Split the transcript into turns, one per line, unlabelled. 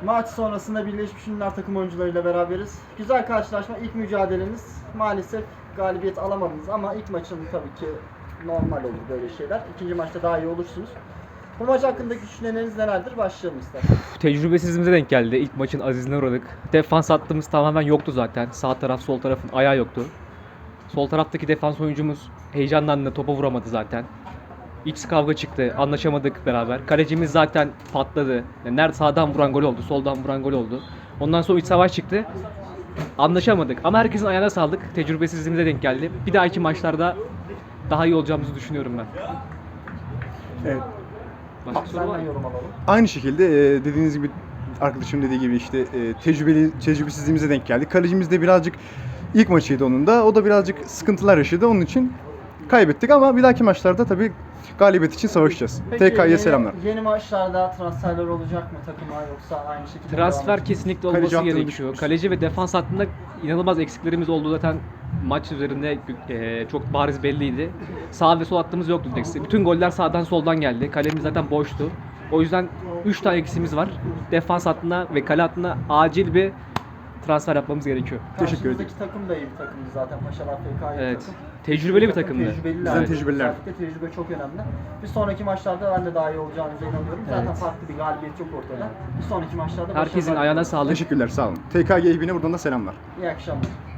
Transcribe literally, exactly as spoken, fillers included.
Maç sonrasında Birleşmiş Milletler takım oyuncularıyla beraberiz. Güzel karşılaşma, ilk mücadeleniz. Maalesef galibiyet alamadınız ama ilk maçın tabii ki normal olur böyle şeyler. İkinci maçta daha iyi olursunuz. Bu maç hakkındaki düşünceleriniz nelerdir? Başlayalım isterseniz.
Tecrübesizliğimize denk geldi. İlk maçın azizine uğradık. Defans hattımız tamamen yoktu zaten. Sağ taraf, sol tarafın ayağı yoktu. Sol taraftaki defans oyuncumuz heyecandan da topa vuramadı zaten. İç kavga çıktı. Anlaşamadık beraber. Kalecimiz zaten patladı. Yani nerede sağdan vuran gol oldu, soldan vuran gol oldu. Ondan sonra iç savaş çıktı. Anlaşamadık. Ama herkesin ayağına sağlık. Tecrübesizliğimize denk geldi. Bir dahaki maçlarda daha iyi olacağımızı düşünüyorum ben.
Evet.
Başka soru var
Senden
mı?
yorum alalım.
Aynı şekilde e, dediğiniz gibi, arkadaşım dediği gibi işte e, tecrübeli tecrübesizliğimize denk geldi. Kalecimiz de birazcık ilk maçıydı onun da. O da birazcık sıkıntılar yaşadı. Onun için kaybettik ama bir dahaki maçlarda tabii galibiyet için savaşacağız.
Peki,
T K'ya
yeni-
selamlar.
Yeni maçlarda transferler olacak mı takıma yoksa aynı şekilde devam
Transfer
edecek mi?
kesinlikle
Kaleci
olması
hattını
gerekiyor.
düşünmüş.
Kaleci ve defans hattında inanılmaz eksiklerimiz oldu zaten maç üzerinde e, çok bariz belliydi. Sağ ve sol hattımız yoktu direkt. Bütün goller sağdan soldan geldi. Kalemiz zaten boştu. O yüzden üç tane eksiğimiz var. Defans hattına ve kale hattına acil bir transfer yapmamız gerekiyor.
Teşekkür ederim.
Karşımızdaki takım da iyi bir takımdı zaten. Paşalar F K iyi bir
Evet.
takım.
Tecrübeli bir
Takım
takımdı.
Tecrübeliler.
Bizden tecrübeliler.
Özellikle tecrübe çok önemli. Bir sonraki maçlarda ben de daha iyi olacağınıza inanıyorum. Zaten
Evet.
farklı bir galibiyet yok ortada. Bir sonraki maçlarda
Herkesin
başarılar
ayağına
diliyorum.
sağlık.
Teşekkürler, sağ olun. T K G ekibine buradan da selamlar.
İyi akşamlar.